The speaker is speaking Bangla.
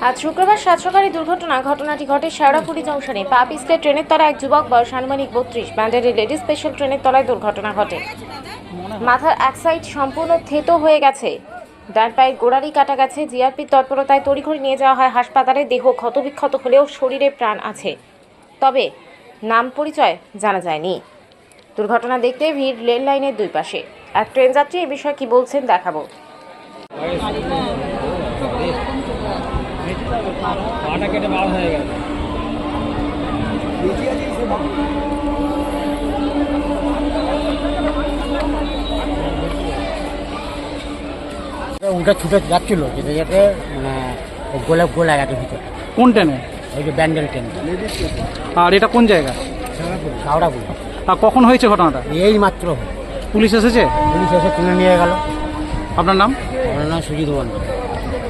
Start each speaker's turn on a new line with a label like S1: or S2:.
S1: আজ শুক্রবার সাত সকালে ঘটনাটি ঘটে শেওড়াফুলি জংশনে। পা পিছলে ট্রেনের তলায় এক যুবক, বয়স আনুমানিক 32, ব্যান্ডেলের লেডিস স্পেশাল ট্রেনের তলায় দুর্ঘটনা ঘটে। মাথার এক সাইড সম্পূর্ণ থেতো হয়ে গেছে, ডান পায়ের গোড়ালি কাটা গেছে। জিআরপির তৎপরতায় তড়িঘড়ি নিয়ে যাওয়া হয় হাসপাতালে। দেহ ক্ষতবিক্ষত হলেও শরীরে প্রাণ আছে, তবে নাম পরিচয় জানা যায়নি। দুর্ঘটনা দেখতে ভিড় রেল লাইনের দুই পাশে। এক ট্রেন যাত্রী এ বিষয়ে কি বলছেন দেখাবো।
S2: ওটা ছুটে যাচ্ছিল, যেতে যেতে মানে গোলা গেছে ভিতরে।
S3: কোন ট্রেনে?
S2: ওই যে ব্যান্ডেল ট্রেন।
S3: আর এটা কোন জায়গা?
S2: হাওড়াপুর।
S3: আর কখন হয়েছে ঘটনাটা?
S2: এই মাত্র
S3: পুলিশ এসেছে?
S2: পুলিশ এসে তুলে নিয়ে গেল।
S3: আপনার নাম?
S2: আমার নাম সুজিত মন্ডল।